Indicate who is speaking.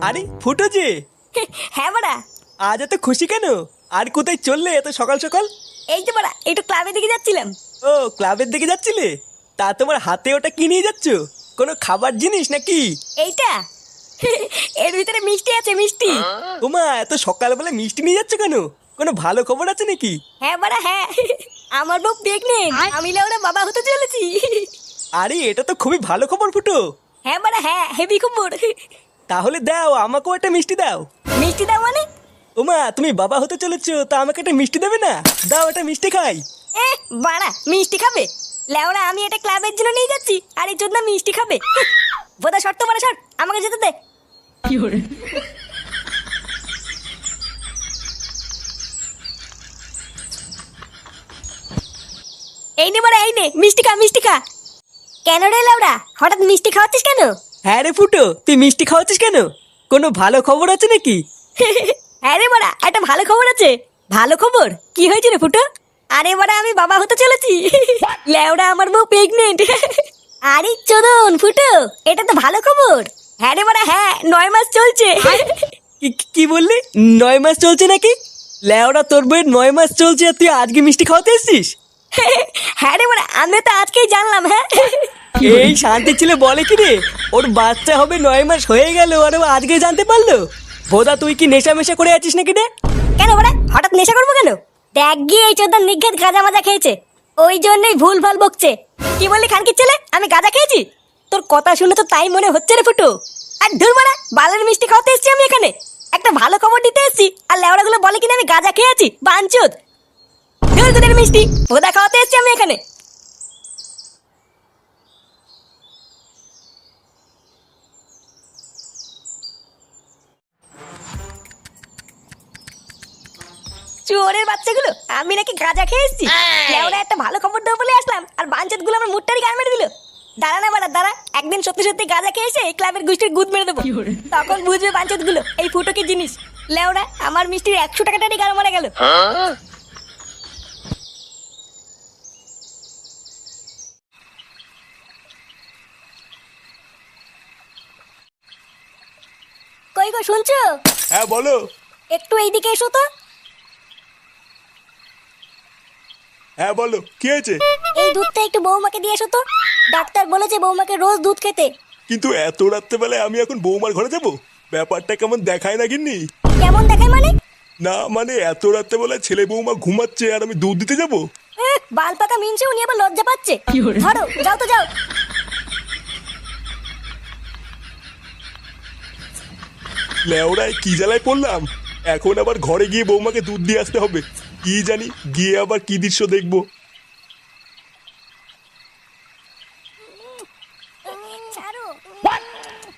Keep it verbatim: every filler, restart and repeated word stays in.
Speaker 1: আরে ফুটো যে,
Speaker 2: হ্যাঁ বাড়া।
Speaker 1: আজ এত খুশি কেন? আর কোথায় চললে এত সকাল সকাল?
Speaker 2: এই তো বাড়া একটু ক্লাবের দিকে যাচ্ছিলাম।
Speaker 1: ও ক্লাবের দিকে যাচ্ছিলে? তা তোমার হাতে ওটা কি নিয়ে যাচ্ছ? কোনো খাবার জিনিস নাকি?
Speaker 2: এইটা এর ভিতরে মিষ্টি আছে, মিষ্টি।
Speaker 1: তোমা এত সকালবেলা মিষ্টি নিয়ে যাচ্ছ কেন? কোনো ভালো খবর আছে নাকি?
Speaker 2: হ্যাঁ বাড়া হ্যাঁ, আমার বউ প্রেগনেন্ট, আমি লেওড়া বাবা হতে চলেছি।
Speaker 1: আরে এটা তো খুবই ভালো খবর ফুটো।
Speaker 2: হ্যাঁ বাড়া হ্যাঁ, হেভি খবর।
Speaker 1: তাহলে দাও, আমাকেও একটা মিষ্টি দাও।
Speaker 2: মিষ্টি দাও মানে?
Speaker 1: ওমা তুমি বাবা হতে চলেছো, তা আমাকে একটা মিষ্টি দেবে না? দাও একটা মিষ্টি খাই।
Speaker 2: এ বাড়া মিষ্টি খাবে? লেওড়া আমি এটা ক্লাবের জন্য নিয়ে যাচ্ছি, আর এই জন্য মিষ্টি খাবে? বোধা শর্ত বাড়া শর্ট, আমাকে যেতে দে। এই নে বাড়া, এই নে মিষ্টি খা, মিষ্টি খা। কেন রে লেওড়া, হঠাৎ মিষ্টি খাওয়াচ্ছিস কেন?
Speaker 1: হ্যাঁ রে ফুটো, তুই মিষ্টি খাওয়াচ্ছিস কেন? কোনো ভালো খবর আছে নাকি?
Speaker 2: হ্যাঁ রে বাড়া, একটা ভালো খবর আছে। ভালো খবর? কি হয়েছে রে ফুটো? আরে বাড়া আমি বাবা হতে চলেছি। লেওড়া আমার বউ প্রেগনেন্ট। আরে চোদন ফুটো, এটা তো ভালো খবর। হ্যাঁ রে বাড়া হ্যাঁ, নয় মাস চলছে।
Speaker 1: কি- কি বললি? নয় মাস চলছে নাকি? লেওড়া তোর বইয়ের নয় মাস চলছে আর তুই আজকে মিষ্টি খাওয়াতে এসছিস?
Speaker 2: হ্যাঁ রে বাড়া, আমি তো আজকেই জানলাম। হ্যাঁ
Speaker 1: এই শান্তি ছিল বলে কি রে, ওর বাচ্চা হবে নয় মাস হয়ে গেল আর ও আজকে জানতে পারলো? বোধা তুই কি নেশা মেশা করে আছিস নাকি রে?
Speaker 2: কেন বাড়া হঠাৎ নেশা করবো কেন? দেখ গিয়ে এই চোদন নিঘাত গাঁজা মাজা খেয়েছে, ওই জন্যই ভুল ভাল বকছে। কি বললি খানকির ছেলে, আমি গাঁজা খেয়েছি? তোর কথা শুনে তো তাই মনে হচ্ছে রে ফুটু। আর ধুর মারা, বালের মিষ্টি খাওয়াতে এসেছি আমি এখানে, একটা ভালো খবর দিতে এসেছি, আর লেওড়া গুলো বলে কিনা আমি গাঁজা খেয়েছি। বাঞ্চুত ধুর তোদের মিষ্টি, ভোদা খাওয়াতে এসেছি আমি এখানে। চোরের বাচ্চাগুলো, আমি নাকি গাঁজা খেয়ে এসেছি? লেওড়া একটা ভালো খবর দেবো বলে আসলাম, আর বাঞ্চত গুলো আমার মুটটারি গান মেরে দিল। দাঁড়া না বাড়া দাঁড়া, একদিন সত্যি সত্যি গাঁজা খেয়ে এসে এই ক্লাবের গোষ্ঠীর গুদ মেরে দেবো, তখন বুঝবে বাঞ্চত গুলো এই ফুটো কি জিনিস। লেওড়া আমার মিষ্টির একশো টাকাটারই গান মারা গেল। কই গো শুনছো?
Speaker 1: হ্যাঁ বলো।
Speaker 2: একটু এইদিকে এসো তো।
Speaker 1: হ্যাঁ বলো, কি হয়েছে?
Speaker 2: এই দুধটা একটু বৌমাকে দিয়ে এসো তো, ডাক্তার বলেছে বৌমাকে রোজ দুধ খেতে।
Speaker 1: কিন্তু এত রাত্রেবেলায় আমি এখন বৌমার ঘরে যাব? ব্যাপারটা কেমন দেখায় না গিন্নি?
Speaker 2: কেমন দেখায় মানে?
Speaker 1: না মানে এত রাত্রেবেলায় ছেলে বৌমা ঘুমাচ্ছে আর আমি দুধ দিতে যাব?
Speaker 2: এহ, বাল পাকা মিনছে, উনি আবার লজ্জা পাচ্ছে। ধরো যাও তো যাও।
Speaker 1: লেওড়ায় কি জ্বালায় পড়লাম, এখন আবার ঘরে গিয়ে বৌমাকে দুধ দিয়ে আসতে হবে। কি জানি গিয়ে আবার কি দৃশ্য দেখবো।